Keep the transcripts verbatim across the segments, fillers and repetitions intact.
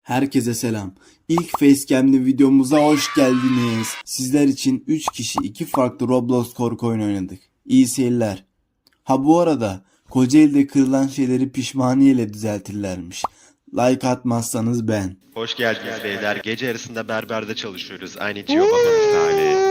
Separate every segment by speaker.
Speaker 1: Herkese selam. İlk Facecam'li videomuza hoş geldiniz. Sizler için üç kişi iki farklı Roblox korku oyunu oynadık. İyi seyirler. Ha bu arada Kocaeli'de kırılan şeyleri pişmaniyeyle düzeltirlermiş. Like atmazsanız ben.
Speaker 2: Hoş geldiniz beyler. Gece yarısında berberde çalışıyoruz. Aynı Gio Baba misali.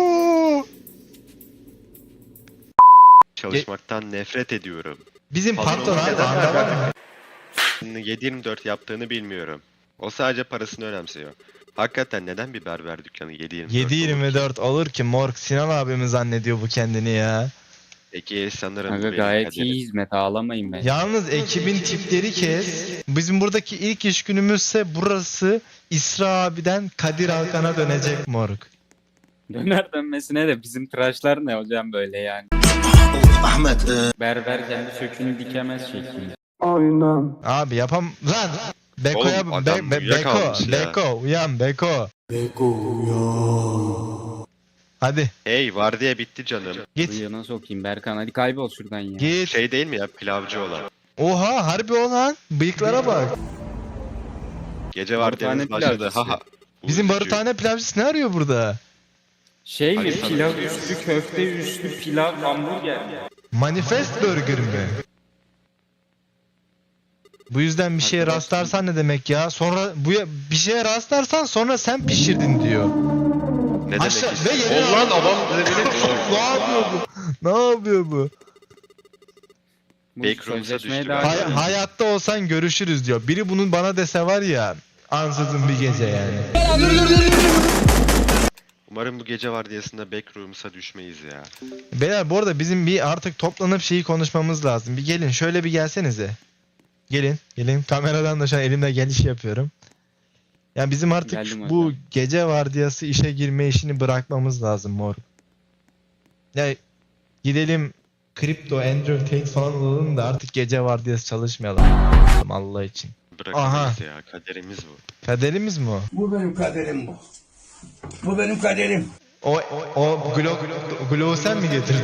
Speaker 2: Çalışmaktan nefret ediyorum.
Speaker 3: Bizim
Speaker 2: Patron
Speaker 3: patron abi
Speaker 2: neden
Speaker 3: anda var mı?
Speaker 2: yedi yirmi dört yaptığını bilmiyorum. O sadece parasını önemsiyor. Hakikaten neden bir berber dükkanı yedi yirmi dört
Speaker 3: yedi yirmi
Speaker 2: olur ki?
Speaker 3: dört olur ki morg Sinan abimi zannediyor bu kendini ya.
Speaker 2: Peki sanırım bu
Speaker 4: Kanka
Speaker 2: benim
Speaker 4: gayet
Speaker 2: kaderim.
Speaker 4: iyi hizmet, ağlamayın ben.
Speaker 3: Yalnız ekibin tipleri kes. Bizim buradaki ilk iş günümüzse burası İsra abiden Kadir Alkan'a dönecek morg.
Speaker 4: Döner dönmesine de bizim tıraşlar ne hocam böyle yani.
Speaker 1: Ahmet.
Speaker 4: Berber kendi sökünü dikemez şekilde.
Speaker 3: Abi yapam lan. Beko'ya
Speaker 2: Oğlum,
Speaker 3: be,
Speaker 2: adam
Speaker 3: be, Beko,
Speaker 2: uyuyakalmış ya.
Speaker 3: Beko uyan Beko.
Speaker 1: Beko ya.
Speaker 3: Hadi
Speaker 2: Hey vardiya bitti canım.
Speaker 3: git
Speaker 4: Bıyığına sokayım Berkan, hadi kaybol şuradan ya.
Speaker 3: git.
Speaker 2: Şey değil mi ya pilavcı olan.
Speaker 3: Oha harbi olan bıyıklara bak.
Speaker 2: Gece
Speaker 4: Barutane
Speaker 2: vardiyamız başladı.
Speaker 4: pilavcısı.
Speaker 2: Haha.
Speaker 3: Bizim
Speaker 2: Uyutucu.
Speaker 3: barutane pilavcısı ne arıyor burada?
Speaker 4: Şey mi,
Speaker 2: Hayır,
Speaker 4: pilav
Speaker 2: tabii.
Speaker 4: üstü köfte üstü pilav hamburger.
Speaker 3: Manifest Burger mi? Bu yüzden bir şeye
Speaker 4: Arkadaşlar-
Speaker 3: rastlarsan ne demek ya? Sonra bu bir şeye rastlarsan sonra sen pişirdin diyor.
Speaker 2: Ne demek
Speaker 3: Aşağı-
Speaker 2: istiyor?
Speaker 3: ve yere-
Speaker 2: Ulan adam beni
Speaker 3: ne yapıyor bu? Ne yapıyor bu?
Speaker 4: Bu
Speaker 2: Backrooms'a
Speaker 4: sözleşmeye
Speaker 2: düştü
Speaker 4: daha
Speaker 2: ben.
Speaker 3: Hay-
Speaker 4: önce-
Speaker 3: hayatta olsan görüşürüz diyor. Biri bunun bana dese var ya ansızın bir gece yani.
Speaker 2: Umarım bu gece vardiyasında backrooms'a düşmeyiz ya.
Speaker 3: Beyler bu arada bizim bir artık toplanıp şeyi konuşmamız lazım. Bir gelin şöyle bir gelsenize. Gelin gelin kameradan da şu an elimde geliş yapıyorum. Yani bizim artık
Speaker 4: Geldim
Speaker 3: bu
Speaker 4: hocam.
Speaker 3: gece vardiyası işe girme işini bırakmamız lazım mor. Ya gidelim kripto, Andrew Tate falan olalım da artık gece vardiyası çalışmayalım. Allah için.
Speaker 2: Bırakamayız ya. Kaderimiz bu.
Speaker 3: Kaderimiz mi o?
Speaker 5: Bu benim kaderim bu. Bu benim kaderim.
Speaker 3: O, o glow, glow sen mi getirdin?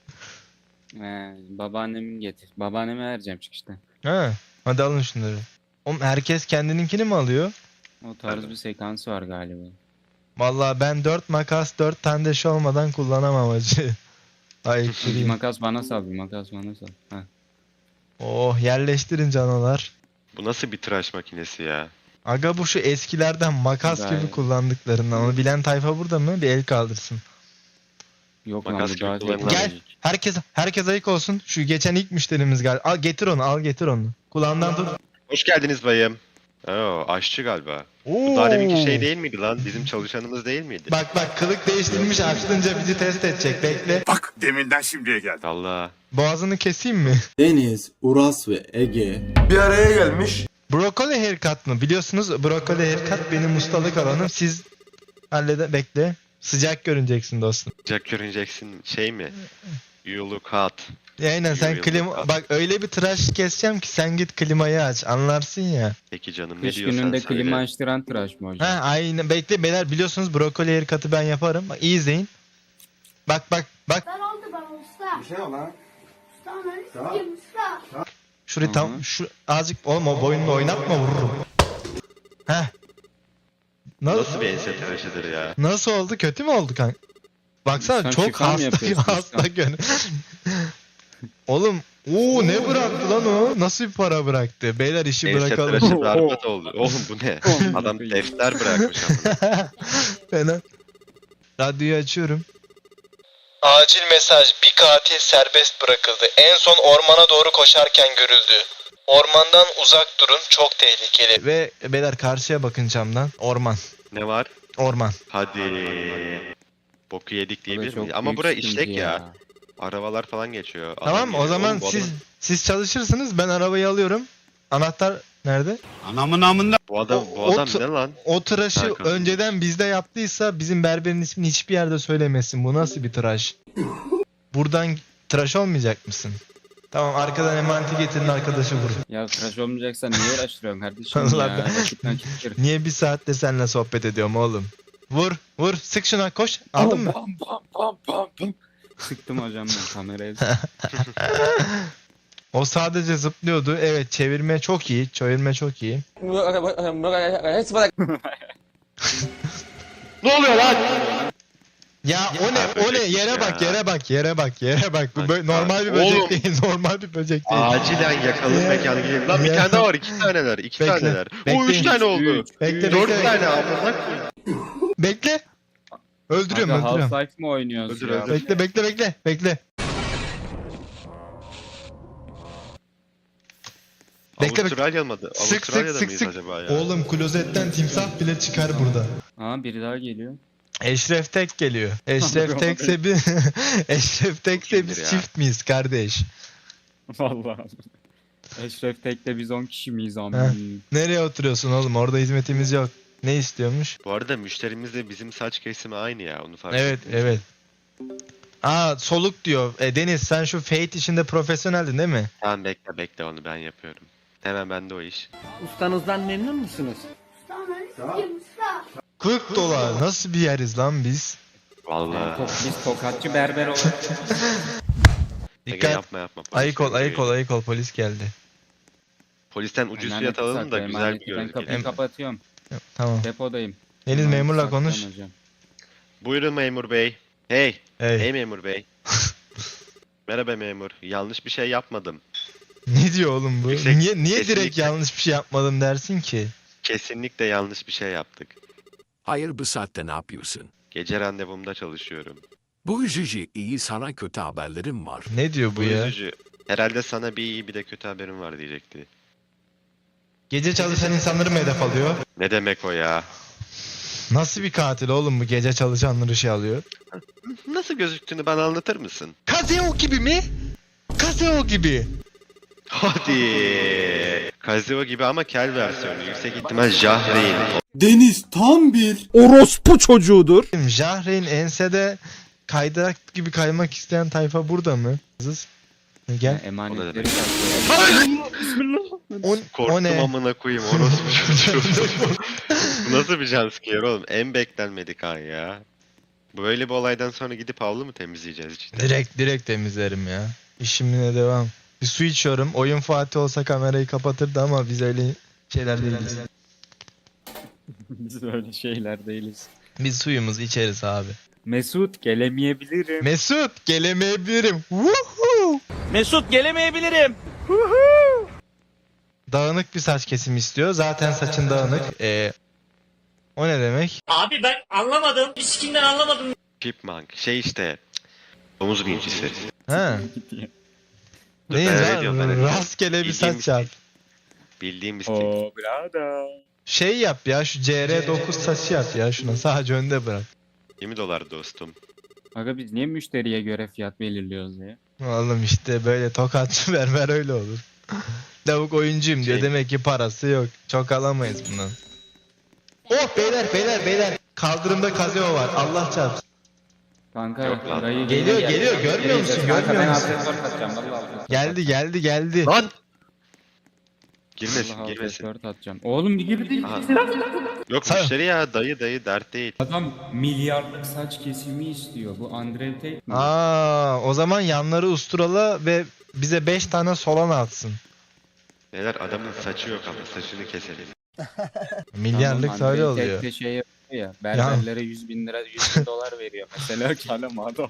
Speaker 4: He, babaannemin getir. Babaanneme vereceğim çıkışta.
Speaker 3: Ha, hadi alın şunları. Oğlum herkes kendininkini mi alıyor?
Speaker 4: O tarz bir sekansı var galiba.
Speaker 3: Vallahi ben dört makas dört tane de şey olmadan kullanamam acı. Ay
Speaker 4: Bir
Speaker 3: kırayım.
Speaker 4: makas bana sal, bir makas bana sal. Ha.
Speaker 3: Oh yerleştirin canalar.
Speaker 2: Bu nasıl bir tıraş makinesi ya?
Speaker 3: Aga bu şu eskilerden makas
Speaker 4: Gayet.
Speaker 3: gibi kullandıklarından. Onu bilen tayfa burada mı? Bir el kaldırsın.
Speaker 4: Yok
Speaker 2: Makas
Speaker 4: lan bu
Speaker 2: gibi
Speaker 4: daha
Speaker 2: kullanılan-
Speaker 3: Gel.
Speaker 4: teknolojik.
Speaker 3: Herkes herkes ayık olsun. Şu geçen ilk müşterimiz geldi. Al getir onu, al getir onu. Kulağından tut.
Speaker 2: Hoş geldiniz bayım. Oo, aşçı galiba. Bu
Speaker 3: Oo.
Speaker 2: daha deminki şey değil miydi lan? Bizim çalışanımız değil miydi?
Speaker 3: Bak bak kılık değiştirmiş açılınca bizi test edecek. Bekle.
Speaker 5: Bak deminden şimdiye geldi.
Speaker 2: Allah.
Speaker 3: Boğazını keseyim mi?
Speaker 1: Deniz, Uras ve Ege
Speaker 5: Bir araya gelmiş.
Speaker 3: Brokoli haircut mı? Biliyorsunuz brokoli haircut benim ustalık alanım. Siz hallede bekle. Sıcak görüneceksin dostum.
Speaker 2: Jack göreceksin şey mi? You look hot.
Speaker 3: Ya aynen sen
Speaker 2: Yürü,
Speaker 3: klima
Speaker 2: yürü.
Speaker 3: bak öyle bir tıraş keseceğim ki sen git klimayı aç anlarsın ya.
Speaker 2: Peki canım ne
Speaker 4: Kış
Speaker 2: diyorsan
Speaker 4: gününde
Speaker 2: söyle.
Speaker 4: klima açtıran tıraş mı hocam?
Speaker 3: Ha aynen bekle beyler biliyorsunuz brokoli haircut'ı ben yaparım. Bak iyi izleyin. Bak bak bak
Speaker 6: Ben oldu bana usta.
Speaker 5: Bir şey lan.
Speaker 6: Usta ananı sikeyim usta.
Speaker 3: şurayı
Speaker 4: Hı
Speaker 3: tam
Speaker 4: hı.
Speaker 3: şu azıcık oğlum o boynunu oynatma vururum. Heh. Nasıl,
Speaker 2: Nasıl bir ense tıraşıdır ya?
Speaker 3: nasıl oldu kötü mü oldu kanka? Baksana
Speaker 4: Sen
Speaker 3: çok
Speaker 4: şifa mı
Speaker 3: hasta
Speaker 4: yapıyorsun
Speaker 3: hasta
Speaker 4: usta?
Speaker 3: gönül. Oğlum Oo ne bıraktı lan o? Nasıl bir para bıraktı? Beyler işi
Speaker 2: Ense
Speaker 3: bırakalım.
Speaker 2: tıraşı berbat oldu. Oğlum bu ne?
Speaker 4: Oh.
Speaker 2: Adam defter bırakmış amına.
Speaker 3: Fena. Radyoyu açıyorum. Acil mesaj. Bir katil serbest bırakıldı. En son ormana doğru koşarken görüldü. Ormandan uzak durun. Çok tehlikeli. Ve beyler karşıya bakın camdan. Orman.
Speaker 2: Ne var?
Speaker 3: Orman.
Speaker 2: Hadi. Boku yedik
Speaker 4: Bu da
Speaker 2: diyebilir
Speaker 4: çok
Speaker 2: miyiz? Ama
Speaker 4: büyük
Speaker 2: bura
Speaker 4: sıkıntı
Speaker 2: işlek ya. Arabalar falan geçiyor. Adam
Speaker 3: Tamam o
Speaker 2: geliyor.
Speaker 3: zaman
Speaker 2: Oğlum bu
Speaker 3: siz
Speaker 2: adam-
Speaker 3: siz çalışırsınız. Ben arabayı alıyorum. Anahtar nerede?
Speaker 5: Anamın amında.
Speaker 2: Bu adam,
Speaker 3: O-
Speaker 2: bu
Speaker 3: o
Speaker 2: adam
Speaker 3: t-
Speaker 2: ne lan?
Speaker 3: O tıraşı
Speaker 2: Hakan.
Speaker 3: önceden bizde yaptıysa bizim berberin ismini hiçbir yerde söylemesin. Bu nasıl bir tıraş? Buradan tıraş olmayacak mısın? Tamam arkadan emaneti getirin arkadaşı vurun.
Speaker 4: Ya tıraş olmayacaksan niye uğraştırıyorsun kardeşim
Speaker 3: Allah
Speaker 4: ya?
Speaker 3: ben-
Speaker 4: Vakit nakit kır.
Speaker 3: Niye bir saattir seninle sohbet ediyorum oğlum? Vur vur sık şuna koş. Aldın mı?
Speaker 4: Pam pam pam pam pam. Sıktım hocam ben kameraya.
Speaker 3: O sadece zıplıyordu. Evet, çevirme çok iyi. Çevirme çok iyi.
Speaker 2: Ne oluyor lan?
Speaker 3: Ya o ne?
Speaker 2: Ha,
Speaker 3: O ne?
Speaker 2: böcekmiş
Speaker 3: Yere
Speaker 2: ya.
Speaker 3: bak, yere bak, yere bak, yere bak. Bu
Speaker 2: Bak,
Speaker 3: bö- normal bir
Speaker 2: bak.
Speaker 3: böcek
Speaker 2: Oğlum.
Speaker 3: değil. Normal bir böcek değil.
Speaker 2: Acilen yakalım
Speaker 3: Ya.
Speaker 2: mekanı gidelim. Lan bir
Speaker 3: Ya.
Speaker 2: tane daha var. iki taneler. iki
Speaker 3: Bekle.
Speaker 2: taneler. O
Speaker 3: Bekle.
Speaker 2: üç tane oldu.
Speaker 4: Üç,
Speaker 3: Bekle,
Speaker 4: üç.
Speaker 2: Dört
Speaker 3: bekle.
Speaker 2: tane amına koyayım.
Speaker 3: Bekle. Öldürüyorum,
Speaker 4: Aga,
Speaker 3: öldürüyorum.
Speaker 4: Half-Life mi oynuyoruz
Speaker 2: Öldür,
Speaker 4: ya?
Speaker 2: öldür.
Speaker 3: Bekle, bekle, bekle, bekle. Bekle, bekle.
Speaker 2: Avustralya mı?
Speaker 3: Sık sık
Speaker 2: Avustralya'da
Speaker 3: sık
Speaker 2: mıyız
Speaker 3: sık.
Speaker 2: acaba ya?
Speaker 3: Oğlum klozetten timsah bile çıkar burada.
Speaker 4: Aa biri daha geliyor.
Speaker 3: Eşref Tek geliyor. Eşref Tekse bir Eşref Tekse biz
Speaker 2: Kimdir ya?
Speaker 3: çift miyiz kardeş?
Speaker 4: Vallahi. Eşref Tek'te biz on kişi miyiz
Speaker 3: Heh.
Speaker 4: ama?
Speaker 3: Nereye oturuyorsun oğlum? Orada hizmetimiz yok. Ne istiyormuş?
Speaker 2: Bu arada müşterimizle bizim saç kesimi aynı ya. Onu fark
Speaker 3: Evet,
Speaker 2: ettim.
Speaker 3: evet. Aa soluk diyor. E, Deniz sen şu Fate işinde profesyoneldin değil mi?
Speaker 2: Tamam bekle bekle onu ben yapıyorum. Hemen bende o iş.
Speaker 7: Ustanızdan memnun musunuz?
Speaker 6: Usta ananı sikeyim usta.
Speaker 3: kırk dolar. Nasıl bir yeriz lan biz?
Speaker 2: Vallahi.
Speaker 4: Tok, biz tokatçı berber olarak.
Speaker 2: Ege
Speaker 3: Dikkat.
Speaker 2: yapma yapma. Polis
Speaker 3: Ayık ol, ayık ol,
Speaker 2: geliyor.
Speaker 3: ayık ol. Polis geldi.
Speaker 2: Polisten ucuz
Speaker 4: Emanet
Speaker 2: fiyat alalım da
Speaker 4: sakla,
Speaker 2: güzel
Speaker 4: emanet.
Speaker 2: bir
Speaker 4: Ben
Speaker 2: görüntü
Speaker 4: kapıyı
Speaker 2: gelir.
Speaker 4: kapatıyorum.
Speaker 3: Tamam.
Speaker 4: Depodayım.
Speaker 3: Deniz
Speaker 4: Emanet
Speaker 3: memurla
Speaker 4: saklan
Speaker 3: konuş.
Speaker 4: hocam.
Speaker 2: Buyurun memur bey. Hey.
Speaker 3: Hey.
Speaker 2: Hey memur bey. Merhaba memur. Yanlış bir şey yapmadım.
Speaker 3: Ne diyor oğlum bu?
Speaker 2: Yüksek-
Speaker 3: niye niye direkt
Speaker 2: kesinlikle.
Speaker 3: yanlış bir şey yapmadım dersin ki?
Speaker 2: Kesinlikle yanlış bir şey yaptık.
Speaker 8: Hayır bu saatte ne yapıyorsun?
Speaker 2: Gece randevumda çalışıyorum.
Speaker 8: Bu üzücü, iyi sana kötü haberlerim var.
Speaker 3: Ne diyor bu
Speaker 2: Bu
Speaker 3: ya?
Speaker 2: üzücü. Herhalde sana bir iyi bir de kötü haberim var diyecekti.
Speaker 3: Gece çalışan insanları mı hedef alıyor?
Speaker 2: Ne demek o ya?
Speaker 3: Nasıl bir katil oğlum bu gece çalışanları şey alıyor?
Speaker 2: Nasıl gözüktüğünü bana anlatır mısın?
Speaker 3: Kazeo gibi mi? Kazeo gibi.
Speaker 2: Hadi. Kazeo gibi ama kel versiyonu. Yüksek ihtimal Jahreyn.
Speaker 1: Deniz tam bir
Speaker 7: Orospu çocuğudur.
Speaker 3: Jahreyn ensede kaydırak gibi kaymak isteyen tayfa burada mı? Kızız. Gel.
Speaker 2: O ne
Speaker 4: Emanetleri
Speaker 2: demek?
Speaker 4: saklıyor.
Speaker 3: O, o
Speaker 2: Korktum
Speaker 3: ne?
Speaker 2: amına koyayım orospu çocuğu. Bu nasıl bir jumpscare oğlum? En beklenmedik an ya. Böyle bir olaydan sonra gidip havlu mu temizleyeceğiz cidden?
Speaker 3: Direkt direkt temizlerim ya. İşimine devam. Bir su içiyorum. Oyun Fatih olsa kamerayı kapatırdı ama biz öyle şeyler değiliz.
Speaker 4: Biz öyle şeyler değiliz.
Speaker 3: Biz suyumuzu içeriz abi.
Speaker 4: Mesut gelemeyebilirim.
Speaker 3: Mesut gelemeyebilirim. Woohoo!
Speaker 7: Mesut gelemeyebilirim.
Speaker 3: Dağınık bir saç kesimi istiyor. Zaten saçın dağınık. Ee, o ne demek?
Speaker 7: Abi ben anlamadım. İskinden anlamadım.
Speaker 2: Chipmunk. Şey işte. Domuz bincisi.
Speaker 3: Ha.
Speaker 2: Dur,
Speaker 3: Neyiz
Speaker 2: ben öyle
Speaker 3: lan?
Speaker 2: diyorum, ben öyle diyorum.
Speaker 3: Rastgele bir
Speaker 2: Bildiğim
Speaker 3: saç yap.
Speaker 2: Bildiğim bir stil.
Speaker 4: Oo brada.
Speaker 3: Şey yap ya şu C R dokuz saçı yap ya şuna sadece önde bırak.
Speaker 2: yirmi dolar dostum.
Speaker 4: Aga biz niye müşteriye göre fiyat belirliyoruz ya?
Speaker 3: Oğlum işte böyle tokatçı berber öyle olur. Lavuk oyuncuyum diyor
Speaker 2: Şey-
Speaker 3: demek ki parası yok. Çok alamayız bundan. Oh beyler beyler beyler. Kaldırımda kazeo var Allah çarpsın.
Speaker 4: Kanka
Speaker 2: Yok lan.
Speaker 4: dayı
Speaker 3: Geliyor,
Speaker 4: geliyor,
Speaker 3: geliyor, görmüyor musun,
Speaker 4: Kanka
Speaker 3: görmüyor
Speaker 4: ben
Speaker 3: musun?
Speaker 4: altı dört atacağım vallahi.
Speaker 3: Geldi geldi geldi.
Speaker 2: Lan! Girmesin
Speaker 4: Vallahi
Speaker 2: girmesin.
Speaker 4: dört atacağım. Oğlum bir girdi.
Speaker 2: Aha. Yok
Speaker 3: Sa-
Speaker 2: müşteri ya dayı dayı dert değil.
Speaker 4: Adam milyarlık saç kesimi istiyor. Bu Andre Tate mi?
Speaker 3: Aa, o zaman yanları usturala ve bize beş tane solan atsın.
Speaker 2: Neler adamın saçı yok ama saçını keselim.
Speaker 3: Milyarlık
Speaker 4: Tamam,
Speaker 3: öyle
Speaker 4: Andre
Speaker 3: oluyor.
Speaker 4: Tate de şey yapıyor ya. Berberlere yüz bin lira yüz bin dolar veriyor. Mesela kalem adam.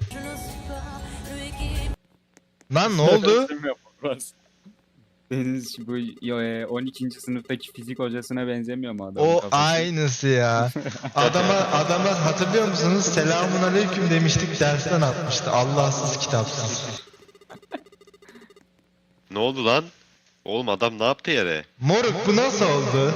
Speaker 3: Lan ne oldu?
Speaker 4: Resim yapamaz. Deniz bu yo, e, on ikinci sınıftaki fizik hocasına benzemiyor mu adam?
Speaker 3: O aynısı ya. Adama adama hatırlıyor musunuz? Selamun aleyküm demiştik dersten atmıştı. Allahsız kitapsız.
Speaker 2: Ne oldu lan? Oğlum adam ne yaptı yere?
Speaker 3: Moruk bu nasıl oldu?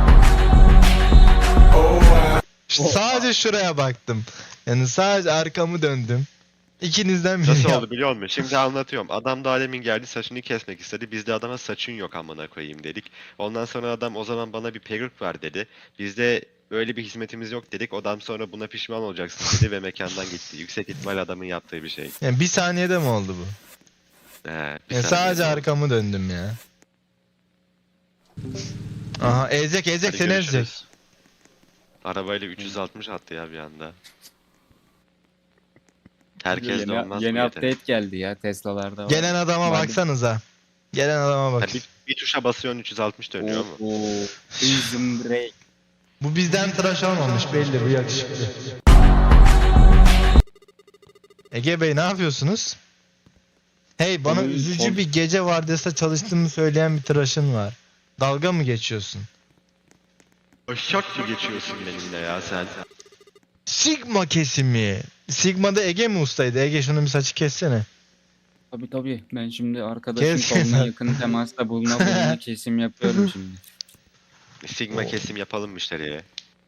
Speaker 3: Ş- Sadece şuraya baktım. Yani sadece arkamı döndüm. İkinizden biri
Speaker 2: Nasıl
Speaker 3: yap-
Speaker 2: oldu biliyor musun? Şimdi anlatıyorum. Adam da alemin geldi saçını kesmek istedi. Biz de adama saçın yok amına koyayım dedik. Ondan sonra adam o zaman bana bir peruk ver dedi. Biz de öyle bir hizmetimiz yok dedik. Adam sonra buna pişman olacaksın dedi ve mekandan gitti. Yüksek ihtimal adamın yaptığı bir şey.
Speaker 3: Yani bir saniyede mi oldu bu?
Speaker 2: He, bir
Speaker 3: Yani
Speaker 2: saniye.
Speaker 3: sadece arkamı döndüm ya. Aha ezecek ezecek
Speaker 2: Hadi
Speaker 3: seni ezecek.
Speaker 2: görüşürüz. Arabayla üç yüz altmış attı ya bir anda. Herkes de
Speaker 4: yeni,
Speaker 2: olmaz
Speaker 4: yeni
Speaker 2: bu yetenek.
Speaker 4: update geldi ya Tesla'larda var.
Speaker 3: Gelen adama
Speaker 4: Madem-
Speaker 3: baksanıza. Gelen adama bak.
Speaker 2: Ha, bir, bir tuşa basıyorsun üç yüz altmış dönüyor mu?
Speaker 4: Oo. Prison Break.
Speaker 3: Bu bizden tıraş olmamış belli, bu yakışıklı. Ege Bey ne yapıyorsunuz? Hey, bana
Speaker 4: Oğlum,
Speaker 3: üzücü
Speaker 4: oğlum.
Speaker 3: bir gece vardiyasında çalıştığımı söyleyen bir tıraşın var. Dalga mı geçiyorsun?
Speaker 2: Şak mı geçiyorsun benimle ya sen?
Speaker 3: Sigma kesimi. Sigma'da Ege mi ustaydı? Ege şunu bir saçı kessene.
Speaker 4: Tabii tabii. Ben şimdi arkadaşım
Speaker 3: Kes.
Speaker 4: koluna yakın temasta buluna buluna kesim yapıyorum şimdi.
Speaker 2: Sigma kesim yapalım müşteriye.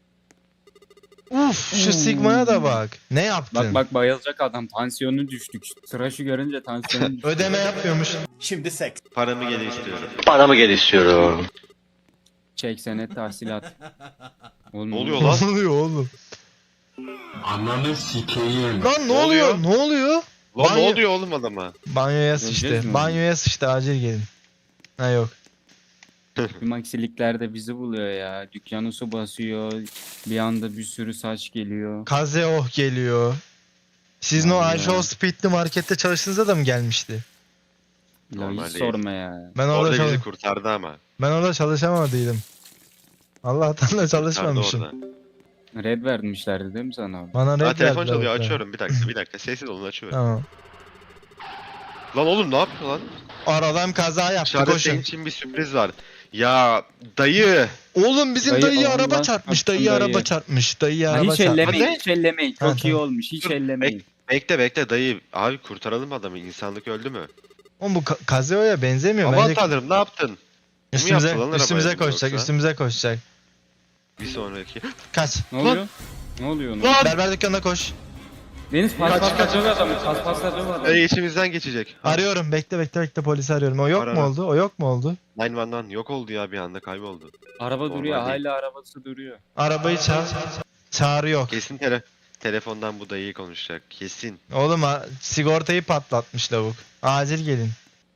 Speaker 3: Uf, şu Sigma'ya da bak. Ne yaptın?
Speaker 4: Bak bak bayılacak adam. Tansiyonu düştük. Tıraşı görünce tansiyonu düştü.
Speaker 3: Ödeme yapmıyormuş.
Speaker 2: Paramı geri istiyorum.
Speaker 4: Çek senet tahsilat. Oğlum,
Speaker 2: Ne oluyor
Speaker 3: Ne
Speaker 2: lan?
Speaker 3: oluyor oğlum?
Speaker 5: Ananı sikeyim.
Speaker 3: Lan ne
Speaker 2: Ne
Speaker 3: oluyor?
Speaker 2: oluyor?
Speaker 3: Ne oluyor?
Speaker 2: Lan
Speaker 3: Banyo-
Speaker 2: ne oluyor oğlum adama?
Speaker 3: Banyoya
Speaker 4: Göreceğiz
Speaker 3: sıçtı.
Speaker 4: mi?
Speaker 3: Banyoya sıçtı, acil gelin. Ha yok.
Speaker 4: Tüm aksilikler de bizi buluyor ya. Dükkanı su basıyor. Bir anda bir sürü saç geliyor.
Speaker 3: Kazeoh geliyor. Sizin o
Speaker 4: Vallahi.
Speaker 3: Ayşe Speed'li markette çalıştığınızda da mı gelmişti?
Speaker 4: Ya
Speaker 2: Normal
Speaker 4: hiç
Speaker 2: değil.
Speaker 4: sorma ya.
Speaker 3: Ben orada,
Speaker 2: Orada
Speaker 3: çalış-
Speaker 2: bizi kurtardı ama.
Speaker 3: ben orada çalışamadıydım. Allah'tan da
Speaker 2: Kurtardı
Speaker 3: çalışmamışım.
Speaker 2: orada.
Speaker 4: Red vermişlerdi değil mi sana?
Speaker 3: Bana
Speaker 2: Aa,
Speaker 3: red
Speaker 2: telefon
Speaker 3: verdiler
Speaker 2: çalıyor,
Speaker 3: orada.
Speaker 2: açıyorum. Bir dakika bir dakika sessiz olun, açıyorum.
Speaker 3: Tamam.
Speaker 2: Lan oğlum ne yapıyor lan?
Speaker 3: Aradan kaza yaptı,
Speaker 2: Dışarıda
Speaker 3: koşun.
Speaker 2: senin için bir sürpriz var. Ya dayı.
Speaker 3: Oğlum bizim
Speaker 4: Dayı,
Speaker 3: dayı
Speaker 4: Allah'ın
Speaker 3: araba çarpmış,
Speaker 4: çarpsın
Speaker 3: dayı araba
Speaker 4: dayı.
Speaker 3: çarpmış, dayı
Speaker 4: Ha,
Speaker 3: araba
Speaker 4: hiç
Speaker 3: çarpmış.
Speaker 4: ellemeyin,
Speaker 2: Ne?
Speaker 4: hiç ellemeyin.
Speaker 3: Ha,
Speaker 4: Çok iyi
Speaker 3: tamam.
Speaker 4: olmuş, hiç
Speaker 2: Dur,
Speaker 4: ellemeyin.
Speaker 2: Bekle bekle dayı. Abi kurtaralım adamı. İnsanlık öldü mü?
Speaker 3: Oğlum bu ka- Kazeo'ya benzemiyor.
Speaker 2: Aman
Speaker 3: Bence
Speaker 2: tanrım ne yaptın? Bu mu
Speaker 3: üstümüze,
Speaker 2: yaptı lan
Speaker 3: üstümüze
Speaker 2: arabaya
Speaker 3: koşacak,
Speaker 2: yoksa?
Speaker 3: üstümüze koşacak.
Speaker 2: Bir sonraki.
Speaker 3: Kaç.
Speaker 4: Ne oluyor? Ne oluyor? Ne?
Speaker 2: Lan!
Speaker 3: Berber dükkanına koş.
Speaker 4: Deniz pas pas pas döv adamı, pas pas döv adamı.
Speaker 2: Dayı içimizden geçecek.
Speaker 3: Arıyorum, bekle bekle bekle, polisi arıyorum. O yok
Speaker 2: Ara,
Speaker 3: mu
Speaker 2: ara.
Speaker 3: oldu? O yok mu oldu?
Speaker 2: nine one one yok oldu ya bir anda kayboldu.
Speaker 4: Araba
Speaker 2: Normal
Speaker 4: duruyor,
Speaker 2: değil.
Speaker 4: hala arabası duruyor.
Speaker 3: Arabayı çağır. Çağrı yok.
Speaker 2: Kesin tele telefondan bu dayıyı konuşacak. Kesin.
Speaker 3: Oğlum ha, sigortayı patlatmış lavuk. Acil gelin.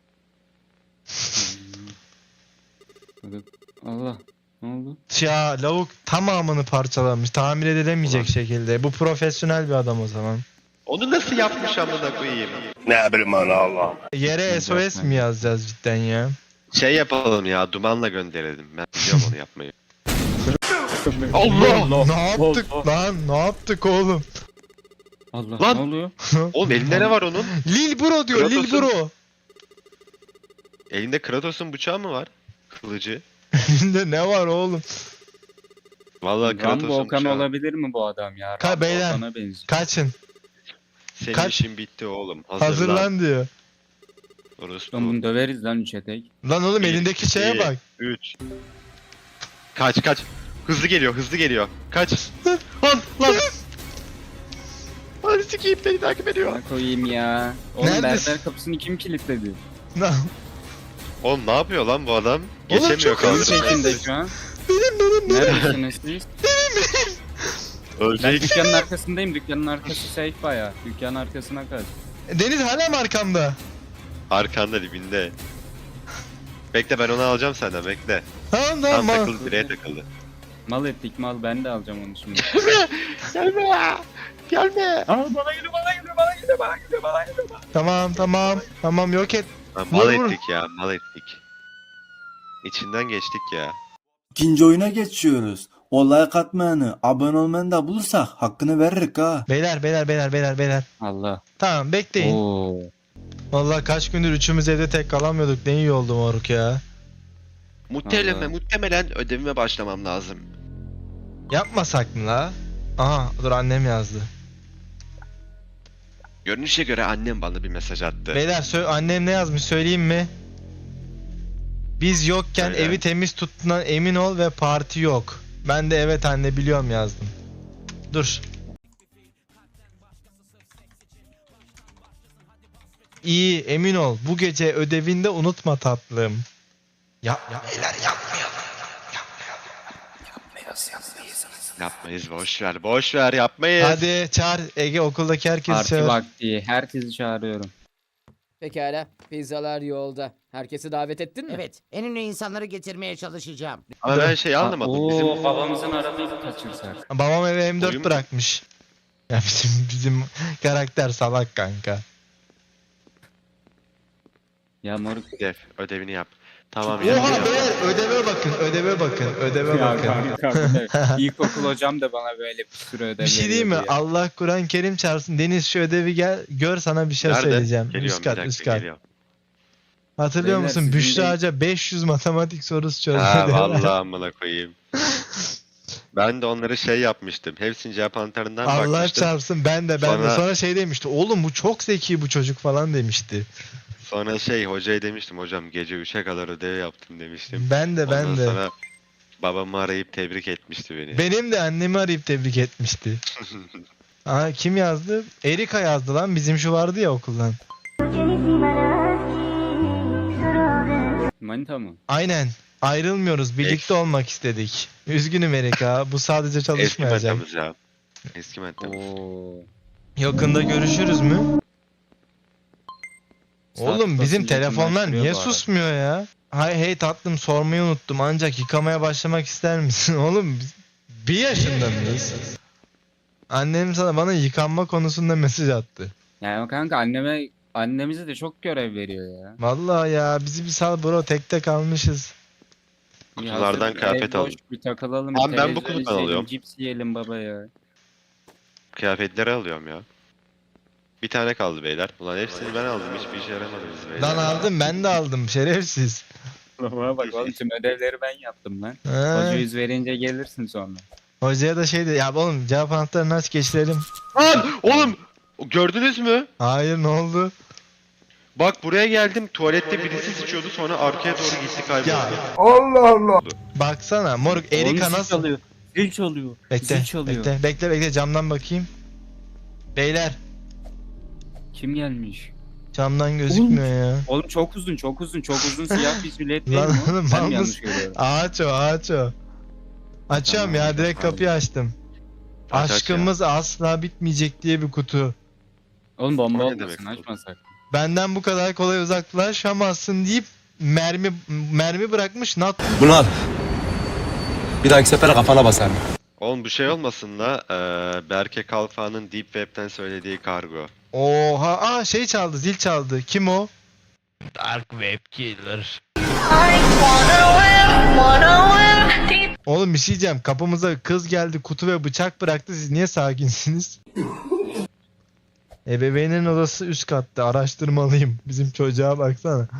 Speaker 4: Hadi. Allah. Ne oldu?
Speaker 3: Ya lavuk tamamını parçalamış. Tamir edilemeyecek
Speaker 2: Ulan.
Speaker 3: şekilde. Bu profesyonel bir adam o zaman.
Speaker 2: Onu nasıl yapmış amına koyayım?
Speaker 5: Ne bileyim ana Allah.
Speaker 3: Yere S O S mi yazacağız cidden ya?
Speaker 2: Şey yapalım ya dumanla gönderelim. Ben biliyorum onu yapmayı. Allah!
Speaker 3: Ne yaptık
Speaker 4: Allah.
Speaker 3: lan? Ne yaptık oğlum?
Speaker 4: Allah.
Speaker 2: Lan!
Speaker 4: Ne oluyor?
Speaker 2: Oğlum elinde ne var onun?
Speaker 3: Lil Bro diyor, Lil
Speaker 2: Kratos'un-
Speaker 3: Bro.
Speaker 2: Elinde Kratos'un bıçağı mı var? Kılıcı.
Speaker 3: Elinde ne var oğlum?
Speaker 2: Vallahi
Speaker 4: Rambo
Speaker 2: Kratos'un
Speaker 4: Okan
Speaker 2: bıçağı.
Speaker 4: olabilir mi bu adam ya?
Speaker 3: Ka-
Speaker 4: Rambo
Speaker 3: beyler.
Speaker 4: Okan'a benziyor.
Speaker 3: Kaçın.
Speaker 2: Senin
Speaker 3: Kaç-
Speaker 2: işin bitti oğlum. Hazırlan.
Speaker 3: Hazırlan diyor.
Speaker 2: Orospu.
Speaker 4: Lan bunu döveriz lan üçe tek.
Speaker 3: Lan oğlum
Speaker 2: Bir,
Speaker 3: elindeki şeye
Speaker 2: iki,
Speaker 3: bak.
Speaker 2: üç. Kaç kaç. Hızlı geliyor hızlı geliyor. Kaç. lan lan. Hadi sikeyim beni takip ediyor.
Speaker 4: Ne koyayım ya? Oğlum
Speaker 3: Neredesin?
Speaker 4: berber kapısını kim kilitledi?
Speaker 3: Lan,
Speaker 2: Oğlum ne yapıyor lan bu adam?
Speaker 3: Oğlum
Speaker 2: Geçemiyor
Speaker 3: çok hızlı
Speaker 2: kaldırım.
Speaker 4: Çekinde şu an.
Speaker 3: benim benim benim.
Speaker 4: Neredesiniz siz? Ben
Speaker 2: Ölecek.
Speaker 4: dükkanın arkasındayım. Dükkanın arkası safe bayağı. Dükkanın arkasına kaç.
Speaker 3: Deniz hala mı arkamda?
Speaker 2: Arkanda dibinde. Bekle ben onu alacağım senden bekle.
Speaker 3: Tamam
Speaker 2: Tam
Speaker 3: tamam.
Speaker 2: takıldı direğe takıldı.
Speaker 4: Mal ettik mal, ben de alacağım onu şimdi.
Speaker 2: Gelme ya. Gelme.
Speaker 4: Aa, bana geliyor bana geliyor bana geliyor bana geliyor bana geliyor.
Speaker 3: Tamam tamam. Tamam yok et.
Speaker 2: Ha, mal
Speaker 3: Vur, vur.
Speaker 2: ettik ya mal ettik. İçinden geçtik ya.
Speaker 1: İkinci oyuna geçiyoruz. O like atmayanı, abone olmayanı da bulursak hakkını veririk ha.
Speaker 3: Beyler beyler beyler beyler beyler.
Speaker 4: Allah.
Speaker 3: Tamam bekleyin.
Speaker 4: Oo.
Speaker 3: Vallahi kaç gündür üçümüz evde tek kalamıyorduk. Ne iyi oldu moruk ya.
Speaker 2: Muhtemelen,
Speaker 4: Allah.
Speaker 2: muhtemelen ödevime başlamam lazım.
Speaker 3: Yapmasak mı la? Aha dur annem yazdı.
Speaker 2: Görünüşe göre annem bana bir mesaj attı.
Speaker 3: Beyler sö- annem ne yazmış söyleyeyim mi? Biz yokken
Speaker 2: Söyle.
Speaker 3: evi temiz tuttuğundan emin ol ve parti yok. Ben de evet anne biliyorum yazdım. Dur. İyi emin ol. Bu gece ödevinde unutma tatlım. Ya, ya beyler yapmayalım.
Speaker 2: Yapmayız boş ver boş ver yapmayız.
Speaker 3: Hadi çağır Ege okuldaki herkesi
Speaker 4: Parti
Speaker 3: çağır.
Speaker 4: vakti. Herkesi çağırıyorum.
Speaker 9: Pekala. Pizzalar yolda. Herkesi davet ettin mi?
Speaker 10: Evet, en ünlü insanları getirmeye çalışacağım.
Speaker 2: Ama ben şey anlamadım.
Speaker 4: Oo,
Speaker 2: Bizim
Speaker 4: babamızın aradığını kaçırsak.
Speaker 3: Babam eve M dört
Speaker 2: Oyun mu?
Speaker 3: bırakmış. Ya bizim bizim karakter salak kanka.
Speaker 4: Ya moruk.
Speaker 2: Ödev, ödevini yap. Tamam
Speaker 3: Oha
Speaker 2: yapacağım.
Speaker 3: beyler ödeve bakın ödeve bakın ödeve
Speaker 4: Ya
Speaker 3: bakın.
Speaker 4: kanka bu ne? İlkokul hocam da bana böyle bir sürü ödev
Speaker 3: Bir şey diyeyim mi?
Speaker 4: veriyordu ya.
Speaker 3: Allah Kur'an Kerim çağırsın. Deniz şu ödevi gel gör sana bir şey
Speaker 2: Nerede?
Speaker 3: söyleyeceğim.
Speaker 2: Geliyorum
Speaker 3: Üst kat
Speaker 2: bir
Speaker 3: üst
Speaker 2: dakika
Speaker 3: kat.
Speaker 2: geliyorum.
Speaker 3: Hatırlıyor
Speaker 4: Beyler,
Speaker 3: musun?
Speaker 4: sizin
Speaker 3: Büşra
Speaker 4: de-
Speaker 3: Hoca beş yüz matematik sorusu çözdü.
Speaker 2: Ha
Speaker 3: diyorlar.
Speaker 2: vallahi amına koyayım. Ben de onları şey yapmıştım. Hepsinin cevap anahtarından
Speaker 3: Allah
Speaker 2: bakmıştım.
Speaker 3: çarpsın ben de ben de.
Speaker 2: Sonra-
Speaker 3: Sonra şey demişti. Oğlum bu çok zeki bu çocuk falan demişti.
Speaker 2: Sonra şey hocaya demiştim. Hocam gece üçe kadar ödev yaptım demiştim.
Speaker 3: Ben de ben
Speaker 2: Ondan
Speaker 3: de.
Speaker 2: sonra babamı arayıp tebrik etmişti beni.
Speaker 3: Benim de annemi arayıp tebrik etmişti. Aa, kim yazdı? Erika yazdı lan. Bizim şu vardı ya okuldan.
Speaker 4: Manita mı?
Speaker 3: Aynen. Ayrılmıyoruz. Birlikte
Speaker 2: Ex.
Speaker 3: olmak istedik. Üzgünüm Erika. Bu sadece
Speaker 2: Eski
Speaker 3: çalışmayacak.
Speaker 2: metamız ya. Eski metamız.
Speaker 4: Oo.
Speaker 3: Yakında görüşürüz mü? Oğlum
Speaker 4: Saat
Speaker 3: bizim
Speaker 4: basınca
Speaker 3: telefonlar
Speaker 4: yakınlaştırıyor
Speaker 3: niye
Speaker 4: bu arada.
Speaker 3: susmuyor ya? Hay hey tatlım sormayı unuttum ancak yıkamaya başlamak ister misin? Oğlum biz bir yaşında mıyız? Annem sana bana yıkanma konusunda mesaj attı.
Speaker 4: Yani kanka anneme annemize de çok görev veriyor ya.
Speaker 3: Vallahi ya bizi bir sal bro tekte kalmışız.
Speaker 4: Bir
Speaker 2: Kutulardan
Speaker 4: hazır
Speaker 2: kıyafet
Speaker 4: ev boş,
Speaker 2: alın.
Speaker 4: Bir takılalım.
Speaker 2: Abi
Speaker 4: bir
Speaker 2: ben bu
Speaker 4: televizyon
Speaker 2: kutudan
Speaker 4: izleyelim,
Speaker 2: alıyorum.
Speaker 4: Cips yiyelim baba ya.
Speaker 2: Kıyafetleri alıyorum ya. Bir tane kaldı beyler. Ulan hepsini ben aldım. Hiçbir işe yaramadınız beyler.
Speaker 3: Lan aldım ben de aldım şerefsiz.
Speaker 4: Baba bak oğlum tüm ödevleri ben yaptım lan.
Speaker 3: Ha,
Speaker 4: Hoca yüz verince gelirsin sonra.
Speaker 3: hocaya da şey dedi ya oğlum cevap anahtarını aç geçirelim.
Speaker 2: Lan oğlum! Gördünüz mü?
Speaker 3: Hayır ne oldu?
Speaker 2: Bak buraya geldim. Tuvalette birisi sıçıyordu. Sonra arkaya doğru gitti kayboldu.
Speaker 3: Ya baksana moruk Erika
Speaker 4: Oğlum zil
Speaker 3: nasıl?
Speaker 4: çalıyor. Zil çalıyor.
Speaker 3: Bekle,
Speaker 4: Zil çalıyor.
Speaker 3: bekle, bekle, bekle, camdan bakayım. Beyler,
Speaker 4: Kim gelmiş?
Speaker 3: camdan gözükmüyor ya.
Speaker 4: Oğlum çok uzun çok uzun çok uzun siyah bir jilet değil
Speaker 3: Lan
Speaker 4: mi? o?
Speaker 3: oğlum,
Speaker 4: Ben
Speaker 3: mal
Speaker 4: mi yanlış
Speaker 3: mısın?
Speaker 4: görüyorum?
Speaker 3: Ağaç o, ağaç o. Açıyorum
Speaker 4: Tamam,
Speaker 3: ya, direkt
Speaker 4: tamam.
Speaker 3: kapıyı açtım.
Speaker 2: Aç, aç
Speaker 3: Aşkımız asla bitmeyecek diye bir kutu.
Speaker 4: Oğlum bomba
Speaker 2: O ne
Speaker 4: olmasın
Speaker 2: demek?
Speaker 4: açmasak.
Speaker 3: Benden bu kadar kolay uzaklaşamazsın deyip mermi mermi bırakmış nat.
Speaker 7: Bunu al. Bir dahaki sefere kafana basarım.
Speaker 2: Oğlum bu şey olmasın da eee Berke Kalfa'nın Deep Web'ten söylediği kargo.
Speaker 3: Oha, aa şey çaldı, zil çaldı. Kim o? Dark Web Killer. Oğlum bir şey diyeceğim. Kapımıza kız geldi, kutu ve bıçak bıraktı. Siz niye sakinsiniz? Ebeveynin odası üst katta. Araştırmalıyım. Bizim çocuğa baksana.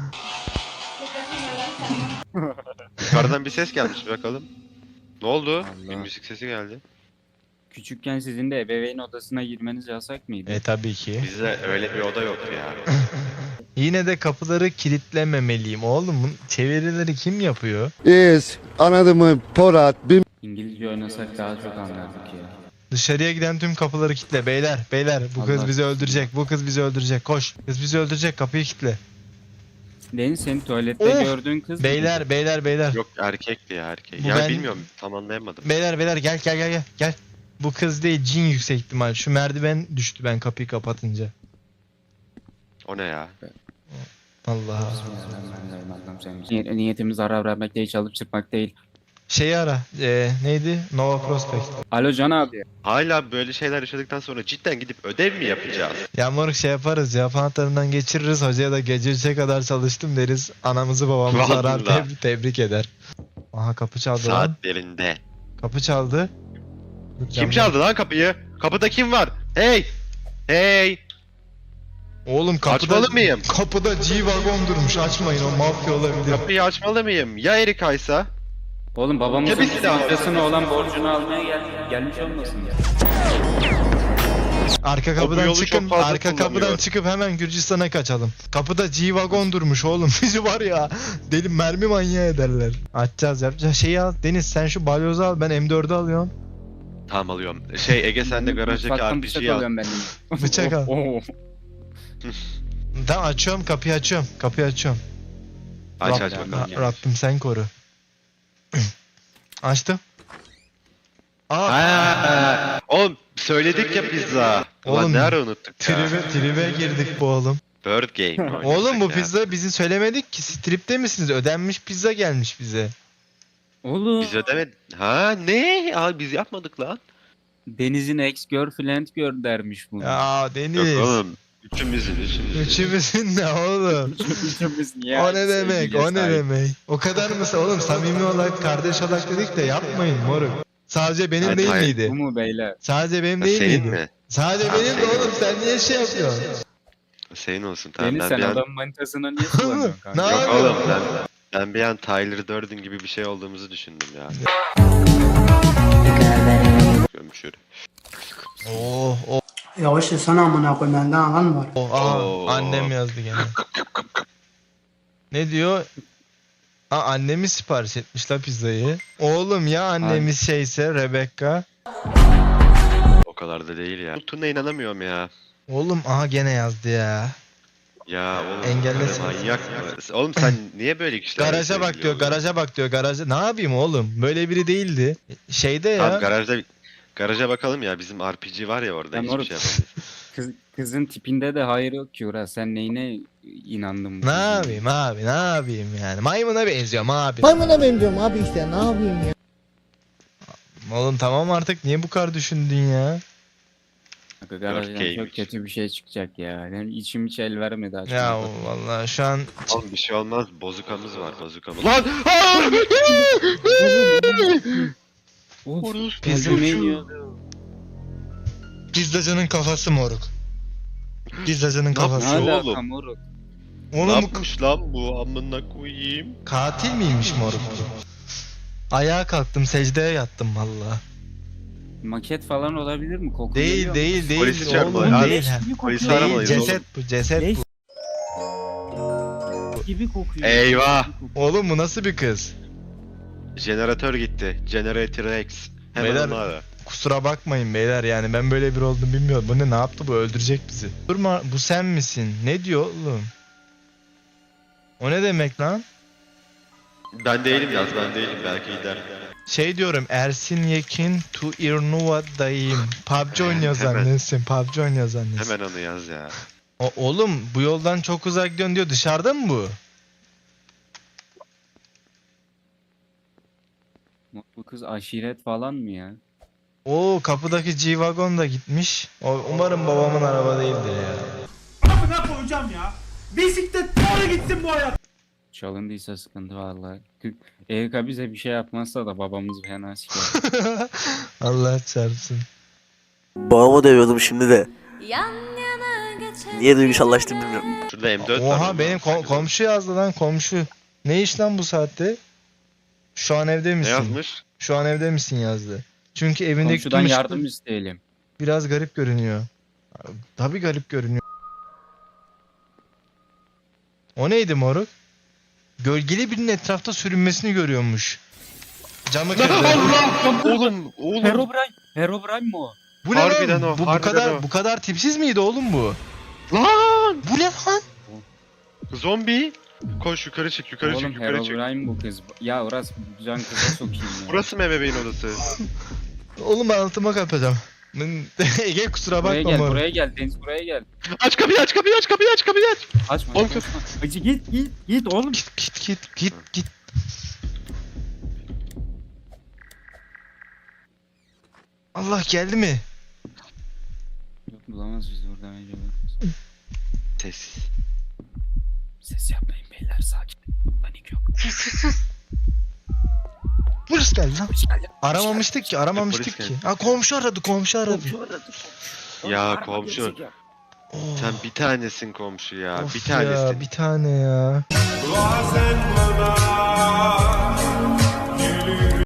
Speaker 2: Yukarıdan bir ses gelmiş bakalım. Ne oldu? Bir
Speaker 4: Allah.
Speaker 2: müzik sesi geldi.
Speaker 4: Küçükken sizin de ebeveyn odasına girmeniz yasak mıydı?
Speaker 3: E tabii ki.
Speaker 2: Bizde öyle bir oda yok ya.
Speaker 3: Yine de kapıları kilitlememeliyim. Oğlum bu çevirileri kim yapıyor?
Speaker 5: İz, anladın mı? Porat, bir
Speaker 4: İngilizce oynasak daha çok anlardık ya.
Speaker 3: Dışarıya giden tüm kapıları kilitle. Beyler, beyler bu kız
Speaker 4: Allah
Speaker 3: bizi
Speaker 4: korusun.
Speaker 3: öldürecek. Bu kız bizi öldürecek. Koş. Kız bizi öldürecek. Kapıyı kilitle.
Speaker 4: Deniz senin tuvalette
Speaker 3: Of!
Speaker 4: gördüğün kız mı?
Speaker 3: Beyler, beyler, beyler.
Speaker 2: Yok erkekti ya erkek.
Speaker 3: Bu
Speaker 2: Ya
Speaker 3: ben-
Speaker 2: bilmiyorum tam anlayamadım.
Speaker 3: Beyler, beyler gel gel gel gel. Gel. Bu kız değil, cin yüksek ihtimal. Şu merdiven düştü ben kapıyı kapatınca.
Speaker 2: O ne ya?
Speaker 3: Allah.
Speaker 4: Niyet- Niyetimiz zarar vermek değil, çalıp çırpmak değil.
Speaker 3: Şeyi ara. Ee, neydi? Nova Prospect.
Speaker 4: Alo Can abi.
Speaker 2: Hala böyle şeyler yaşadıktan sonra cidden gidip ödev mi yapacağız?
Speaker 3: Ya moruk şey yaparız. Cevap anahtarından geçiririz. Hocaya da gece üçe kadar çalıştım deriz. Anamızı babamızı arar
Speaker 2: Vallahi.
Speaker 3: tebrik, tebrik eder. Aha kapı çaldı lan.
Speaker 2: Saatlerinde.
Speaker 3: Kapı çaldı. Dur,
Speaker 2: Kim
Speaker 3: camdan-
Speaker 2: çaldı lan kapıyı? Kapıda kim var? Hey! Hey!
Speaker 3: Oğlum kapıda,
Speaker 2: Açmalı mıyım?
Speaker 3: kapıda G-Wagon durmuş. Açmayın, o mafya olabilir.
Speaker 2: Kapıyı açmalı mıyım? Ya Erika'ysa?
Speaker 4: Oğlum babamızın
Speaker 2: Tabii ki de abi.
Speaker 4: amcasına olan borcunu almaya gel gelmiş olmasın ya.
Speaker 3: Arka
Speaker 2: O bu
Speaker 3: kapıdan
Speaker 2: yolu
Speaker 3: çıkın,
Speaker 2: çok fazla
Speaker 3: arka kapıdan
Speaker 2: kullanıyor.
Speaker 3: çıkıp hemen Gürcistan'a kaçalım. Kapıda G-Wagon durmuş oğlum. Bizi var ya, deli mermi manyağı ederler. Açacağız, yapacağız. Şeyi al, Deniz sen şu balyozu al, ben M dördü alıyorum.
Speaker 2: Tamam alıyorum. Şey Ege sen de garajdaki
Speaker 4: Mutfaktan bıçak
Speaker 2: R P G'yi al.
Speaker 4: alıyorum ben de.
Speaker 3: Bıçak al.
Speaker 4: Oo.
Speaker 3: Tamam açıyorum, kapıyı açıyorum. Kapıyı açıyorum.
Speaker 2: Aç
Speaker 3: Rab-
Speaker 2: aç bakalım.
Speaker 3: Ra- Rabbim sen koru. Açtım. Aa,
Speaker 2: Ha, oğlum söyledik ya pizza. Ulan
Speaker 3: Oğlum,
Speaker 2: ne ara unuttuk ya.
Speaker 3: tribe, tribe girdik bu oğlum.
Speaker 2: Bird Game mi
Speaker 3: Oğlum bu
Speaker 2: oynasak ya?
Speaker 3: pizza bizi söylemedik ki. Stripte misiniz? Ödenmiş pizza gelmiş bize.
Speaker 4: Oğlum.
Speaker 2: Biz ödemedik. Ha ne? Abi biz yapmadık lan.
Speaker 4: Deniz'in ex girlfriend gör dermiş bunu.
Speaker 3: Ya
Speaker 2: Yok
Speaker 3: Deniz.
Speaker 2: oğlum. Üçümüzün, üçümüzün.
Speaker 3: Üçümüzün ne oğlum?
Speaker 4: Üçümüz niye
Speaker 3: O
Speaker 4: aynı
Speaker 3: ne demek?
Speaker 4: sevgiye
Speaker 3: O ne
Speaker 4: sahip?
Speaker 3: demek? O kadar mı? Oğlum samimi olarak kardeş olarak dedik de yapmayın moruk. Sadece benim
Speaker 2: Hayır,
Speaker 3: değil
Speaker 2: hayır.
Speaker 3: miydi?
Speaker 4: Bu mu beyler?
Speaker 3: Sadece benim
Speaker 2: Ha,
Speaker 3: değil
Speaker 2: senin
Speaker 3: miydi?
Speaker 2: mi?
Speaker 3: Sadece
Speaker 2: Ha,
Speaker 3: benim de
Speaker 2: senin.
Speaker 3: oğlum sen niye şey yapıyorsun?
Speaker 2: Senin olsun tamam.
Speaker 4: Deniz
Speaker 2: Ben
Speaker 4: sen
Speaker 2: bir an...
Speaker 4: adam manitasına niye kullanıyorsun
Speaker 3: Ne
Speaker 4: kanka?
Speaker 2: Yok
Speaker 3: yapıyorsun?
Speaker 2: oğlum ben, ben bir an Tyler Durden gibi bir şey olduğumuzu düşündüm ya. Gömüşür.
Speaker 3: Oh oh
Speaker 6: Yavaş sana amına koyayım benden alan var.
Speaker 3: oh. Aha,
Speaker 2: Oo.
Speaker 3: annem yazdı gene. Ne diyor? Aa, annemi sipariş etmiş la pizzayı. Oğlum ya annemiz şeyse Rebecca.
Speaker 2: O kadar da değil ya. Tuna inanamıyorum ya.
Speaker 3: Oğlum aha gene yazdı ya.
Speaker 2: Ya oğlum
Speaker 3: Engellesin.
Speaker 2: böyle manyak mı? Oğlum sen niye böyle kişilerle
Speaker 3: Garaja bak
Speaker 2: sevgili
Speaker 3: diyor,
Speaker 2: oluyorsun?
Speaker 3: garaja bak diyor, garaja. Ne yapayım oğlum? Böyle biri değildi. Şeyde ya.
Speaker 2: Tamam garajda garaja bakalım ya bizim R P G var ya orada
Speaker 4: Ya
Speaker 2: hiçbir
Speaker 4: moruk.
Speaker 2: şey yapamayız.
Speaker 4: Kız, kızın tipinde de hayır yok ki Uras. Sen neyine inandın bu
Speaker 3: Ne
Speaker 4: kızın?
Speaker 3: yapayım abi, ne yapayım yani? Maymuna benziyorum abi.
Speaker 10: Maymuna benziyorum abi işte ne yapayım ya.
Speaker 3: Oğlum tamam artık niye bu kadar düşündün ya?
Speaker 4: Kanka garajdan çok
Speaker 2: Dörtkeymiş.
Speaker 4: kötü bir şey çıkacak ya. Benim içim hiç el vermedi
Speaker 3: Ya
Speaker 4: açmaya.
Speaker 3: vallahi şu an
Speaker 2: Oğlum bir şey olmaz bozukamız var bozukamız. Lan!
Speaker 4: Of,
Speaker 3: Pizza
Speaker 4: kalbime iniyor.
Speaker 3: pizzacının kafası moruk. Pizzacının
Speaker 2: Ne
Speaker 3: kafası.
Speaker 4: Ne
Speaker 2: yapıyor
Speaker 4: alaka
Speaker 2: oğlum?
Speaker 4: moruk?
Speaker 2: Ne
Speaker 3: Oğlum bu
Speaker 2: yapmış lan bu amına koyayım?
Speaker 3: katil miymiş moruk? Ayağa kalktım, secdeye yattım vallahi.
Speaker 4: Maket falan olabilir mi? Koku
Speaker 3: Değil
Speaker 4: geliyor mu?
Speaker 3: değil değil.
Speaker 2: Polisi çağırma
Speaker 3: Oğlum
Speaker 2: ya.
Speaker 3: değil. ha.
Speaker 2: Polisi
Speaker 3: Değil,
Speaker 2: aramalıyız
Speaker 3: ceset
Speaker 2: oğlum.
Speaker 3: bu, ceset
Speaker 4: Leş
Speaker 3: bu.
Speaker 4: gibi kokuyor.
Speaker 2: Eyvah!
Speaker 4: Gibi kokuyor.
Speaker 3: Oğlum bu nasıl bir kız?
Speaker 2: Jeneratör gitti. Generator X. Hemen
Speaker 3: Beyler-
Speaker 2: onu ara.
Speaker 3: Kusura bakmayın beyler yani ben böyle bir oldum bilmiyorum. Bu ne ne yaptı bu öldürecek bizi. Durma bu sen misin? Ne diyor oğlum? O ne demek lan?
Speaker 2: Ben değilim yaz ben değilim belki gider.
Speaker 3: Şey diyorum Ersin Yekin to Irnuva'dayım. P U B G oynuyor
Speaker 2: Hemen.
Speaker 3: zannetsin. P U B G oynuyor zannetsin.
Speaker 2: Hemen onu yaz ya.
Speaker 3: O, oğlum bu yoldan çok uzak gidiyorsun diyor. Dışarıda mı bu?
Speaker 4: Bu kız aşiret falan mı ya?
Speaker 3: Oo kapıdaki G-Wagon da gitmiş. O, umarım babamın araba değildir ya.
Speaker 6: Amına koyacağım ya. Bisiklet doğru gitsin bu hayat.
Speaker 4: Çalındıysa sıkıntı vallahi. Erika bize bir şey yapmazsa da babamız fena siker.
Speaker 3: Allah çarpsın.
Speaker 7: Babamı dövüyordum şimdi de. Niye duygusallaştım bilmiyorum.
Speaker 2: Şurada M dört var.
Speaker 3: Oha
Speaker 2: onu
Speaker 3: benim
Speaker 2: alsak
Speaker 3: kom-
Speaker 2: olur.
Speaker 3: komşu yazdı lan komşu. Ne iş lan bu saatte? Şu an evde
Speaker 2: Ne
Speaker 3: misin?
Speaker 2: yazmış?
Speaker 3: Şu an evde misin yazdı. Çünkü evindeki
Speaker 4: Komşudan
Speaker 3: tüm ışıklar
Speaker 4: yardım isteyelim.
Speaker 3: biraz garip görünüyor. Tabii garip görünüyor. O neydi moruk? Gölgeli birinin etrafta sürünmesini görüyormuş. Camı kırdı.
Speaker 2: Oğlum oğlum.
Speaker 4: Herobrine. Herobrine mi o?
Speaker 3: Bu ne
Speaker 2: Harbiden
Speaker 3: lan?
Speaker 2: o,
Speaker 3: Bu, bu
Speaker 2: harbiden
Speaker 3: kadar
Speaker 2: o.
Speaker 3: bu kadar tipsiz miydi oğlum bu?
Speaker 2: Lan!
Speaker 3: Bu ne lan?
Speaker 2: Zombi. Koş yukarı çık yukarı
Speaker 4: Oğlum
Speaker 2: çık yukarı çık.
Speaker 4: Herobrine bu kız. Ya Uras can kıza sokayım ya.
Speaker 2: Burası mı ebeveyn odası?
Speaker 3: Oğlum ben altıma kapatacağım. Ege kusura
Speaker 4: Buraya
Speaker 3: bakma
Speaker 4: gel,
Speaker 3: moruk.
Speaker 4: buraya gel. Deniz buraya gel.
Speaker 2: Aç kapıyı aç kapıyı aç kapıyı aç kapıyı aç.
Speaker 4: Açma.
Speaker 2: Oğlum
Speaker 4: açma. Hacı git git git oğlum.
Speaker 3: Git git git git git. Allah geldi mi?
Speaker 4: Yok bulamaz bizi buradan önce.
Speaker 2: Sessiz.
Speaker 4: Ses yapmayın beyler sakin. Panik yok.
Speaker 3: Polis geldi lan.
Speaker 4: Hoş geldin.
Speaker 3: Aramamıştık ki aramamıştık
Speaker 2: Polis
Speaker 3: ki.
Speaker 2: geldi.
Speaker 3: Ha komşu aradı komşu aradı.
Speaker 2: Ya komşu.
Speaker 3: Oh.
Speaker 2: Sen bir tanesin komşu ya.
Speaker 3: Of
Speaker 2: bir tanesin.
Speaker 3: ya, bir tane ya.